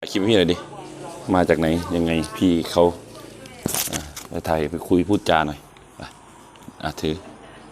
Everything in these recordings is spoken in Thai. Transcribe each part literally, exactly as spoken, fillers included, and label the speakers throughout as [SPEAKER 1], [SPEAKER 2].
[SPEAKER 1] คลิปพี่หน่อยดิมาจากไหนยังไงพี่เขาไปถ่ายไปคุยพูดจาหน่อยอ่ะถือ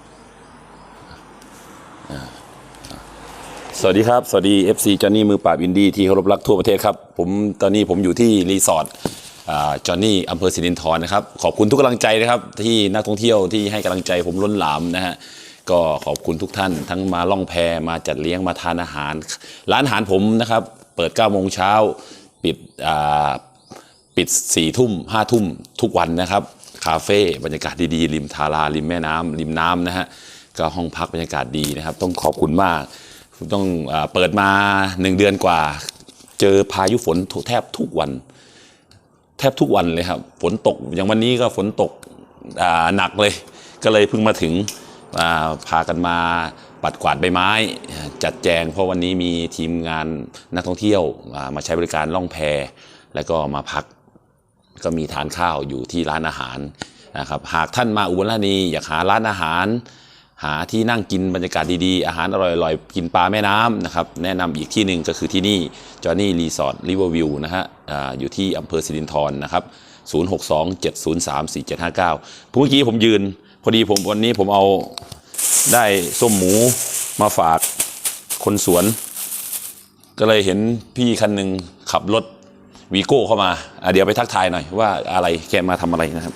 [SPEAKER 1] สวัสดีครับสวัสดี เอฟ ซี จอห์นนี่มือปราบอินดี้ที่เคารพรักทั่วประเทศครับผมตอนนี้ผมอยู่ที่รีสอร์ทจอห์นนี่อำเภอสิรินธรนะครับขอบคุณทุกกำลังใจนะครับที่นักท่องเที่ยวที่ให้กำลังใจผมล้นหลามนะฮะก็ขอบคุณทุกท่านทั้งมาล่องแพมาจัดเลี้ยงมาทานอาหารร้านอาหารผมนะครับเปิดเก้าโมงเช้าปิดปิดสี่ทุ่มห้าทุ่มทุกวันนะครับคาเฟ่บรรยากาศดีๆริมทาราริมแม่น้ำริมน้ำนะฮะก็ห้องพักบรรยากาศดีนะครับต้องขอบคุณมากต้องเปิดมาหนึ่งเดือนกว่าเจอพายุฝนแทบทุกวันแทบทุกวันเลยครับฝนตกอย่างวันนี้ก็ฝนตกหนักเลยก็เลยเพิ่งมาถึงพากันมาปัดกวาดใบไม้จัดแจงเพราะวันนี้มีทีมงานนักท่องเที่ยวมาใช้บริการล่องแพแล้วก็มาพักก็มีทานข้าวอยู่ที่ร้านอาหารนะครับหากท่านมาอุบลราชธานีอยากหาร้านอาหารหาที่นั่งกินบรรยากาศดีๆอาหารอร่อยๆกินปลาแม่น้ำนะครับแนะนำอีกที่หนึ่งก็คือที่นี่จอห์นนี่รีสอร์ทริเวอร์วิวนะฮะ อ, อยู่ที่อำเภอสิรินธรนะครับศูนย์ หก สอง เจ็ด ศูนย์ สาม สี่ เจ็ด ห้า เก้าเมื่อกี้ผมยืนพอดีผมวันนี้ผมเอาได้ส้มหมูมาฝากคนสวนก็เลยเห็นพี่คันหนึ่งขับรถวีโก้เข้ามาเดี๋ยวไปทักทายหน่อยว่าอะไรแกมาทำอะไรนะครับ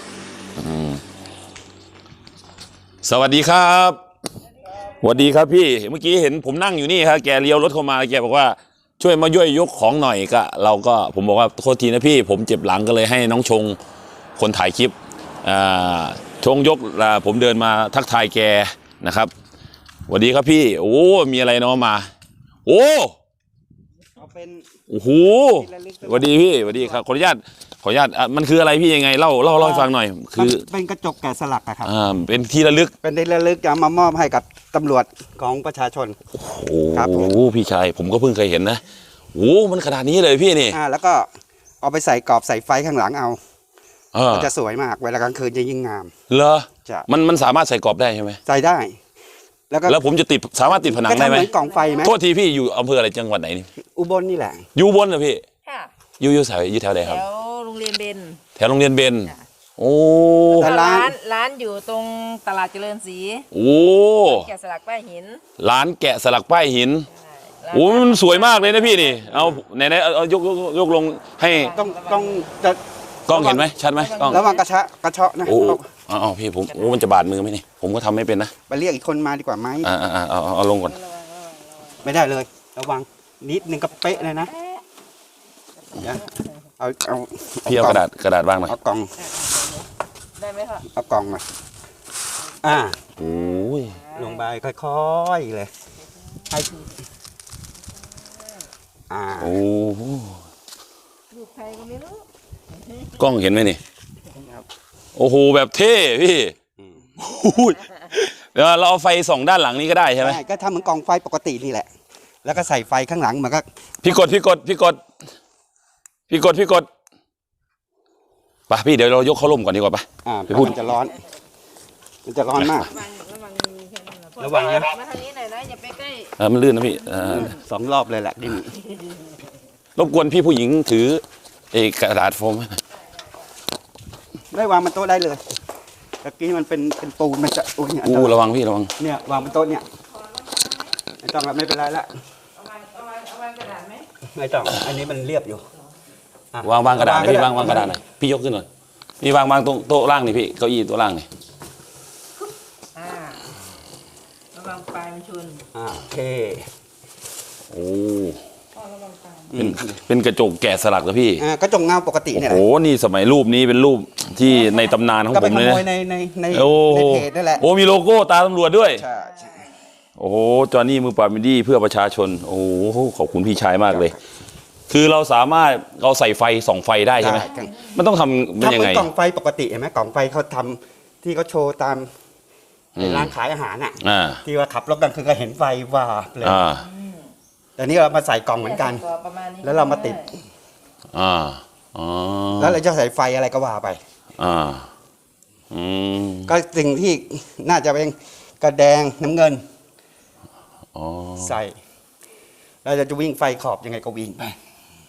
[SPEAKER 1] สวัสดีครับสวัสดีครับพี่เมื่อกี้เห็นผมนั่งอยู่นี่ครับแกเลี้ยวรถเข้ามาแกบอกว่าช่วยมาย่วยยกของหน่อยก็เราก็ผมบอกว่าโทษทีนะพี่ผมเจ็บหลังก็เลยให้น้องชงคนถ่ายคลิปชงยกผมเดินมาทักทายแกนะครับสวัสดีครับพี่โอ้มีอะไรเนาะมาโอ้โอ้โหสวัสดีพี่สวัสดีครับขออนุญาตขออนุญาตมันคืออะไรพี่ยังไงเล่าเล่าเล่าให้ฟังหน่อยคือ
[SPEAKER 2] เป็นกระจกแกะสลักครับ
[SPEAKER 1] อ่าเป็นที่ระลึก
[SPEAKER 2] เป็นที่ระลึกจะมามอบให้กับตำรวจของประชาชน
[SPEAKER 1] โอ้โหพี่ชายผมก็เพิ่งเคยเห็นนะโอ้มันขนาดนี้เลยพี่นี่
[SPEAKER 2] อ่าแล้วก็เอาไปใส่กรอบใส่ไฟข้างหลังเอาก็จะสวยมากเวลากลางคืนจะยิ่งงาม
[SPEAKER 1] เหรอมันมันสามารถใส่กรอบได้ใช่ไหม
[SPEAKER 2] ใส่ได้
[SPEAKER 1] แล้วก็แล้วผมจะติดสามารถติดผนังได้ไหม
[SPEAKER 2] กล่องไฟไหม
[SPEAKER 1] โทษทีพี่อยู่อำเภออะไรจังหวัดไหนนี่
[SPEAKER 2] อุบลนี่แหละ
[SPEAKER 1] อยู่อุบลเหรอพี่ค่ะอยู่อยู่แถวอยู่แถวไหนครับ
[SPEAKER 3] แถวโรงเรียนเบน
[SPEAKER 1] แถวโรงเรียนเบนโอ้
[SPEAKER 3] ร้านร้านอยู่ตรงตลาดเจริญศรี
[SPEAKER 1] โอ้
[SPEAKER 3] แกะสลักป้ายหิน
[SPEAKER 1] ร้านแกะสลักป้ายหินโอ้มันสวยมากเลยนะพี่นี่เอาไหนไหนเอายกยกลงให้
[SPEAKER 2] ต้องต้องจะ
[SPEAKER 1] กล้องเห็นไหมชัดไหมกล้อง
[SPEAKER 2] ระวังกระชะกระเชาะนะ
[SPEAKER 1] โอ้อ๋อพี่ผมโอ้มันจะบาดมือไหมนี่ผมก็ทำไม่เป็นนะ
[SPEAKER 2] ไปเรียกอีกคนมาดีกว่าไหม
[SPEAKER 1] อ่าอ่าเอาเอาลงก่อน
[SPEAKER 2] ไม่ได้เลยระวังนิดนึงก็เป๊ะเลยนะเอาเอา
[SPEAKER 1] พี่เอากระดาษกระดาษวางหน่อย
[SPEAKER 2] เอากล่อง
[SPEAKER 3] ได้ไหมคะ
[SPEAKER 2] เอากล่องมาอ่า
[SPEAKER 1] โอ้ย
[SPEAKER 2] ลงไปค่อยๆเลยให้อ่า
[SPEAKER 1] โอ้
[SPEAKER 3] ลูกใครก็ไม่รู้
[SPEAKER 1] กล้องเห็นไหมนี่โอ้โหแบบเท่พี่เดี๋ยวเราเอาไฟส่องด้านหลังนี้ก็ได้ใช่ไหม
[SPEAKER 2] ก็ทำเหมือนกล่องไฟปกตินี่แหละแล้วก็ใส่ไฟข้างหลังมันก็
[SPEAKER 1] พี่กดพี่กดพี่กดพี่กดพี่กดไปพี่เดี๋ยวเรายกเขาล่มก่อนดีกว่าไป
[SPEAKER 2] อ่าพี่พูดมันจะร้อนมันจะร้อนมากระวังนะ
[SPEAKER 3] มาทางนี้หน่อยนะอย่าไปใกล้
[SPEAKER 1] เออมันลื่นนะพี่
[SPEAKER 2] สองรอบเลยแหละที่นี่
[SPEAKER 1] รบกวนพี่ผู้หญิงถือไอ้กระดาษโฟม
[SPEAKER 2] ได้วางบนโต๊ะได้เลยตะกี้มันเป็นเป็นปูนมันจะโอ้ยเนี่ย
[SPEAKER 1] อู้ระวังพี่ระวัง
[SPEAKER 2] เนี่ยวางบนโต๊ะเนี่ยไม่ต้องไม่เป็นไรละ
[SPEAKER 3] เอาวางเอาวางเอาวางกระดาษไหม
[SPEAKER 2] ไม่ต้องอันนี้มันเรียบอยู่
[SPEAKER 1] วางวางกระดาษพี่วางวางกระดาษหน่อยพี่ยกขึ้นหน่อยนี่วางวางตรงโต๊ะล่างนี่พี่เก้าอี้โต๊ะล่างนี่
[SPEAKER 3] อ่าระวังปลายมันชน
[SPEAKER 2] อ่าโอเค
[SPEAKER 1] โอ้เป็นเป็นกระจกแกะสลักนะพี่
[SPEAKER 2] อ่ากระจกเงาปกติเนี่ย
[SPEAKER 1] โอ้โหนี่สมัยรูปนี้เป็นรูปที่ในตำนานของผมเลยนะ
[SPEAKER 2] ในในใน
[SPEAKER 1] ในเพจนั่นแหละโอ้มีโลโก้ตาตำรวจด้วย
[SPEAKER 2] ใช่
[SPEAKER 1] โอ้โหจอห์นนี่มือปราบอินดี้เพื่อประชาชนโอ้โหขอบคุณพี่ชายมากเลยคือเราสามารถเราใส่ไฟส่องไฟได้ใช่ไหมมันต้องทำมันยังไง
[SPEAKER 2] ทำเป็นกล่องไฟปกติเห็นไหมกล่องไฟเขาทำที่เขาโชว์ตามร้านขายอาหารอ่ะที่ว่าขับรถกลางคืนก็เห็นไฟวาบเลยแต่นี่เรามาใส่กล่องเหมือนกันแล้วเรามาติด
[SPEAKER 1] อ่าอ๋อ
[SPEAKER 2] แล้วเราจะใส่ไฟอะไรก็ว่าไป
[SPEAKER 1] อ่าอืม
[SPEAKER 2] ก็สิ่งที่น่าจะเป็นกระแดงน้ำเงินใส่เราจะวิ่งไฟขอบยังไงก็วิ่งไป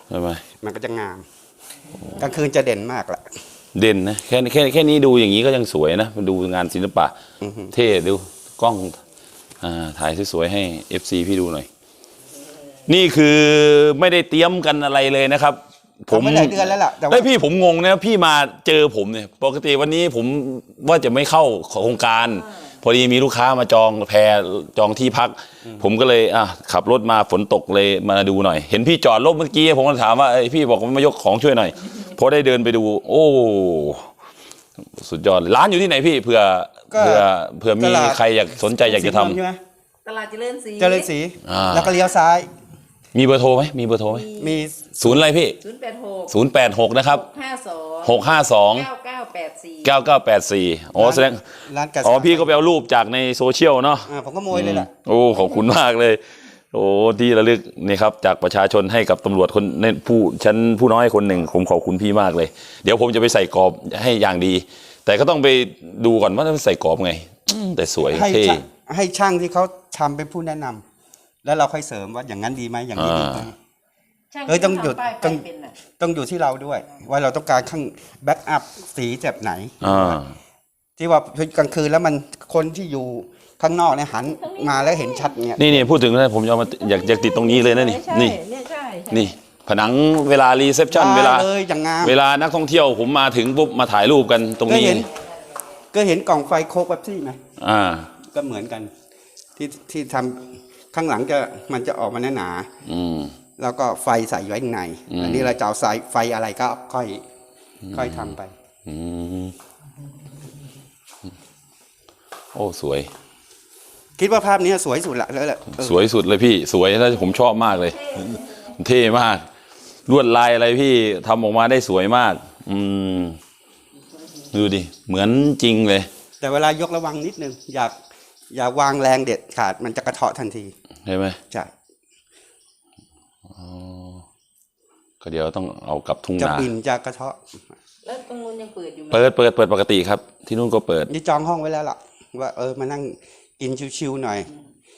[SPEAKER 1] ใช่ไหม
[SPEAKER 2] มันก็จะงามกลางคืนจะเด่นมากแหละ
[SPEAKER 1] เด่นนะแค่แค่แค่นี้ดูอย่างนี้ก็ยังสวยนะดูงานศิลปะเท่ดูกล้องอ่าถ่ายสวยๆให้ เอฟ ซี พี่ดูหน่อยนี่คือไม่ได้เตรียมกันอะไรเลยนะครับผม
[SPEAKER 2] ไม่หลายเดือนแล้วล่ะแต่ว่า
[SPEAKER 1] เฮ้ยพี่ผมงงนะพี่มาเจอผมเนี่ยปกติวันนี้ผมว่าจะไม่เข้าโครงการพอดีมีลูกค้ามาจองแพรจองที่พัก ผมก็เลยอ่ะขับรถมาฝนตกเลยมาดูหน่อย เห็นพี่จอดรถเมื่อกี้ผมก็ถามว่าพี่บอกว่ามายกของช่วยหน่อยพอได้เดินไปดูโอ้สุดยอดร้านอยู่ที่ไหนพี่เผื่อเผื่อเผื่อมีใครอยากสนใจอยากจะทำ
[SPEAKER 3] ตลาดเจริญศรี
[SPEAKER 2] เจริญศรีแล้วก็เลี้ยวซ้าย
[SPEAKER 1] มีเบอร์โทรไหมมีเบอร์โทรไหม
[SPEAKER 2] มี
[SPEAKER 1] ศูนย์อะไรพี่
[SPEAKER 3] ศูนย์แปดหก
[SPEAKER 1] ศูนย์แปดหกนะครับ
[SPEAKER 3] ห้าสอง
[SPEAKER 1] หกห้าสอง
[SPEAKER 3] เก้าเก้าแปดสี่
[SPEAKER 1] เก้าเก้าแปดสี่อ๋อแสดง
[SPEAKER 2] ร้านกระ
[SPEAKER 1] อ๋อพี่ก็ไปเอารูปจากในโซเชียลเนาะ
[SPEAKER 2] อ่าผมก็โมยเลยแหละ
[SPEAKER 1] โอ้ขอบคุณมากเลย โอ้ที่ระลึกนี่ครับจากประชาชนให้กับตำรวจคนในผู้ชั้นผู้น้อยคนหนึ่งผมขอบคุณพี่มากเลย เดี๋ยวผมจะไปใส่กรอบให้อย่างดี แต่ก็ต้องไปดูก่อนว่าใส่กรอบไงอืมแต่สวย
[SPEAKER 2] ให้
[SPEAKER 1] เท่
[SPEAKER 2] ช่างให้ช่างที่เขาทำเป็นผู้แนะนำแล้วเราค่อยเสริมว่าอย่างนั้นดีไหมอย่างนี้ดีไหม
[SPEAKER 3] ช่าง
[SPEAKER 2] เอ้ยต้องหยุด
[SPEAKER 3] ทำป้ายไฟ
[SPEAKER 2] ต้อง
[SPEAKER 3] เป็นน่ะ
[SPEAKER 2] ต้องอยู่ที่เราด้วย ว่าเราต้องการข้างแบ็กอัพสีแบบไหน
[SPEAKER 1] อ่า
[SPEAKER 2] ที่ว่ากลางคืนแล้วมันคนที่อยู่ข้างนอกเนี่ยหันมาแล้วเห็นชัดเนี่ย
[SPEAKER 1] นี่นี่พูดถึงนะผมจะเอามาอยากอยากติดตรงนี้เลยนะนี่
[SPEAKER 3] ใช่
[SPEAKER 1] นี่
[SPEAKER 3] เนี่ยใช่ใช่
[SPEAKER 1] นี่ผนังเวลารีเซพชันเวลา
[SPEAKER 2] ได้เลยอย่างงาม
[SPEAKER 1] เวลานักท่องเที่ยวผมมาถึงปุ๊บมาถ่ายรูปกันตรง
[SPEAKER 2] ก็
[SPEAKER 1] นี้
[SPEAKER 2] เห็นก็เห็นกล่องไฟโคกแบบซี่ไหม
[SPEAKER 1] อ่า
[SPEAKER 2] ก็เหมือนกัน ที่ที่ทำข้างหลังจะมันจะออกมาหนา
[SPEAKER 1] อืม
[SPEAKER 2] ๆแล้วก็ไฟใส่ไว้ข้างใน
[SPEAKER 1] อืม
[SPEAKER 2] อันนี้เราจะเอาสายไฟอะไรก็ค่อยค่อยทำไป
[SPEAKER 1] อืมโอ้สวย
[SPEAKER 2] คิดว่าภาพนี้สวยสุดละแล้วแหละเออ
[SPEAKER 1] สวยสุดเลยพี่สวยแล้วผมชอบมากเลย เท่มากลวดลายอะไรพี่ทำออกมาได้สวยมาก อืมดูดิเหมือนจริงเลย
[SPEAKER 2] แต่เวลายกระวังนิดนึงอยากอย่าวางแรงเด็ดขาดมันจะกระเทาะทันที
[SPEAKER 1] ใช่ไหม
[SPEAKER 2] ใช่
[SPEAKER 1] ก็เดี๋ยวต้องเอากลับทุ่ง
[SPEAKER 2] จะ
[SPEAKER 1] นา
[SPEAKER 2] บินจะกระเทาะ
[SPEAKER 3] แล้วตรงนู้นยังเปิดอยู่ไหม
[SPEAKER 1] เปิดเปิดเปิดปกติครับ ที่นู่นก็เปิด
[SPEAKER 2] นี่จองห้องไว้แล้วล่ะว่าเออมานั่งกินชิวๆหน่อย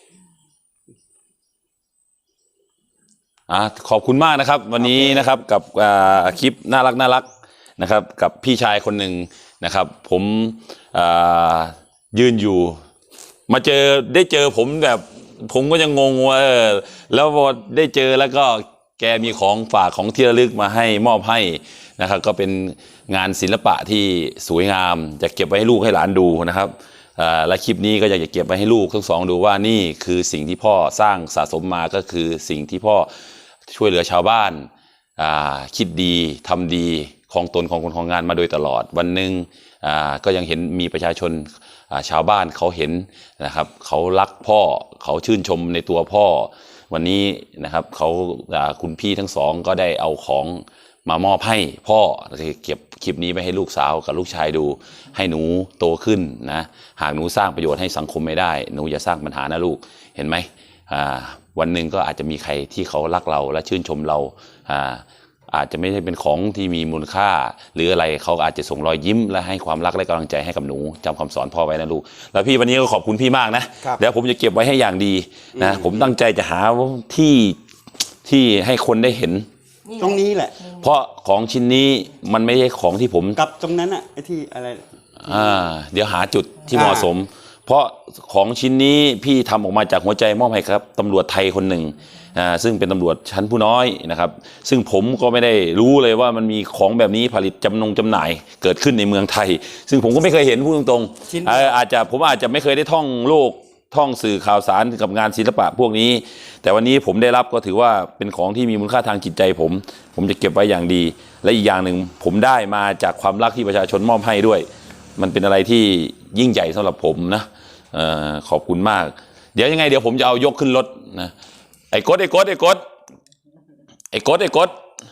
[SPEAKER 1] อ่ะขอบคุณมากนะครับ วันนี้นะครับกับอ่าคลิปน่ารักน่ารักนะครับ กับพี่ชายคนหนึ่งนะครับ ผมอ่ายืนอยู่ มาเจอได้เจอผมแบบ ผมก็ยังงงว่าเออแล้วพอได้เจอแล้วก็แกมีของฝากของที่ระลึกมาให้มอบให้นะครับ ก็เป็นงานศิลปะที่สวยงามจะเก็บไว้ให้ลูกให้หลานดูนะครับอ่าและคลิปนี้ก็อยากจะเก็บไว้ให้ลูกทั้งสองดูว่านี่คือสิ่งที่พ่อสร้างสะสมมาก็คือสิ่งที่พ่อช่วยเหลือชาวบ้านอ่าคิดดีทำดีของตนของคนของงานมาโดยตลอดวันหนึ่งอ่าก็ยังเห็นมีประชาชนอ่าชาวบ้านเขาเห็นนะครับเขารักพ่อเขาชื่นชมในตัวพ่อวันนี้นะครับเขาอ่าคุณพี่ทั้งสองก็ได้เอาของมามอบให้พ่อเก็บคลิปนี้ไปให้ลูกสาวกับลูกชายดูให้หนูโตขึ้นนะหากหนูสร้างประโยชน์ให้สังคมไม่ได้หนูอย่าสร้างปัญหานะลูกเห็นไหมอ่าวันหนึ่งก็อาจจะมีใครที่เขารักเราและชื่นชมเราอ่าอาจจะไม่ได้เป็นของที่มีมูลค่า หรืออะไรเขาอาจจะส่งรอยยิ้มและให้ความรักและกำลังใจให้กับหนูจำคำสอนพ่อไว้นะลูกแล้วพี่วันนี้ก็ขอบคุณพี่มากนะครับ เดี๋ยวผมจะเก็บไว้ให้อย่างดีนะผมตั้งใจจะหาที่ที่ให้คนได้เห็น
[SPEAKER 2] ตรงนี้แหละ
[SPEAKER 1] เพราะของชิ้นนี้มันไม่ใช่ของที่ผม
[SPEAKER 2] กับตรงนั้นอ่ะไอ้ที่อะไร
[SPEAKER 1] อ่าเดี๋ยวหาจุดที่
[SPEAKER 2] อ่า
[SPEAKER 1] เหมาะสม เพราะของชิ้นนี้พี่ทำออกมาจากหัวใจมอบให้ครับตำรวจไทยคนหนึ่งอ่าซึ่งเป็นตำรวจชั้นผู้น้อยนะครับซึ่งผมก็ไม่ได้รู้เลยว่ามันมีของแบบนี้ผลิตจำนงจำหน่ายเกิดขึ้นในเมืองไทย ซึ่งผมก็ไม่เคยเห็นพูดตรง
[SPEAKER 2] ชิ้น
[SPEAKER 1] ๆเอ่ออาจจะผมอาจจะไม่เคยได้ท่องโลกท่องสื่อข่าวสารกับงานศิลปะพวกนี้ แต่วันนี้ผมได้รับก็ถือว่าเป็นของที่มีมูลค่าทางจิตใจผม ผมจะเก็บไว้อย่างดี และอีกอย่างหนึ่งผมได้มาจากความรักที่ประชาชนมอบให้ด้วย มันเป็นอะไรที่ยิ่งใหญ่สำหรับผมนะเออขอบคุณมาก เดี๋ยวยังไงเดี๋ยวผมจะเอายกขึ้นรถนะไอ้กดไอ้กดไอ้กดไอ้กดไอ้กด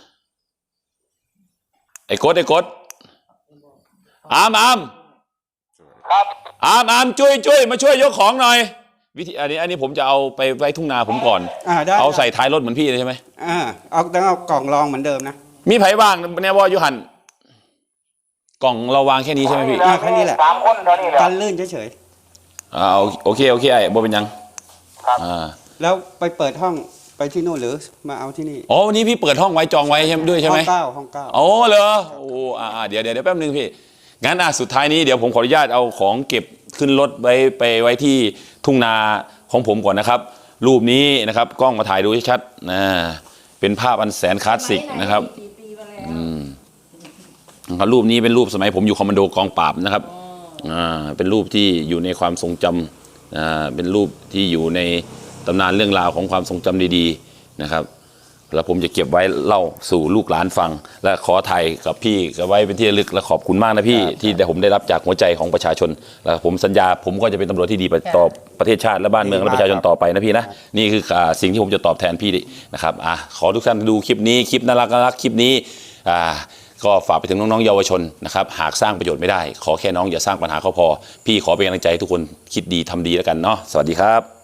[SPEAKER 1] ไอ้กดไอ้กดอามอามครับอามอามช่วยช่วยมาช่วยยกของหน่อยวิธีอันนี้อันนี้ผมจะเอาไปไว้ทุ่งนาผมก่อน
[SPEAKER 2] อ่าได้
[SPEAKER 1] เอาใส่ท้ายรถเหมือนพี่เลยใช่ไหม
[SPEAKER 2] อ่าเอาต้องเอากล่องรองเหมือนเดิมนะ
[SPEAKER 1] มีไผ่บ้างเนี่ยว่าอยู่หันกล่องเราวางแค่นี้ใช่ไหมพี่
[SPEAKER 2] อ่าแค่นี้แหละ
[SPEAKER 4] สามคนเท่านี้แหละ
[SPEAKER 2] กันลื่นเฉย
[SPEAKER 1] อ่าโอเคโอเคไอ้บ่เป็นยังอ่า
[SPEAKER 2] ๆแล้วไปเปิดห้องไปที่นู่นหรือมาเอาที่นี่
[SPEAKER 1] อ๋อวันนี้พี่เปิดห้องไว้จองไว้ใช่ไหมด้วยใช่ไหม
[SPEAKER 2] ห้องเก้าห้องเก้า
[SPEAKER 1] โอ้เหรอโอ้อ่าเดี๋ยวเดี๋ยวแป๊บนึงพี่งั้นอ่ะสุดท้ายนี้เดี๋ยวผมขออนุญาตเอาของเก็บขึ้นรถไว้ไปไว้ที่ทุ่งนาของผมก่อนนะครับ รูปนี้นะครับกล้องมาถ่ายดูให้ชัดนะเป็นภาพอันแสนคลาสสิกนะครับ
[SPEAKER 3] กี่ปีมาแล้ว
[SPEAKER 1] อืมนะครับรูปนี้เป็นรูปสมัยผมอยู่คอมมานโดกองปราบนะครับอ่าเป็นรูปที่อยู่ในความทรงจำอ่าเป็นรูปที่อยู่ในตำนานเรื่องราวของความทรงจำดีๆนะครับแล้วผมจะเก็บไว้เล่าสู่ลูกหลานฟัง และขอถ่ายกับพี่กับไว้เป็นที่ระลึกและขอบคุณมากนะพี่ที่ได้ผมได้รับจากหัวใจของประชาชนแล้วผมสัญญาผมก็จะเป็นตำรวจที่ดีต่อประเทศชาติและบ้านเมืองและประชาชนต่อไปนะพี่นะนี่คืออ่าสิ่งที่ผมจะตอบแทนพี่นะครับอ่ะขอทุกท่านดูคลิปนี้คลิปน่ารักน่ารักคลิปนี้อ่าก็ฝากไปถึงน้องๆเยาวชนนะครับหากสร้างประโยชน์ไม่ได้ขอแค่น้องอย่าสร้างปัญหาเขาพอพี่ขอเป็นกำลังใจให้ทุกคนคิดดีทำดีแล้วกันเนาะสวัสดีครับ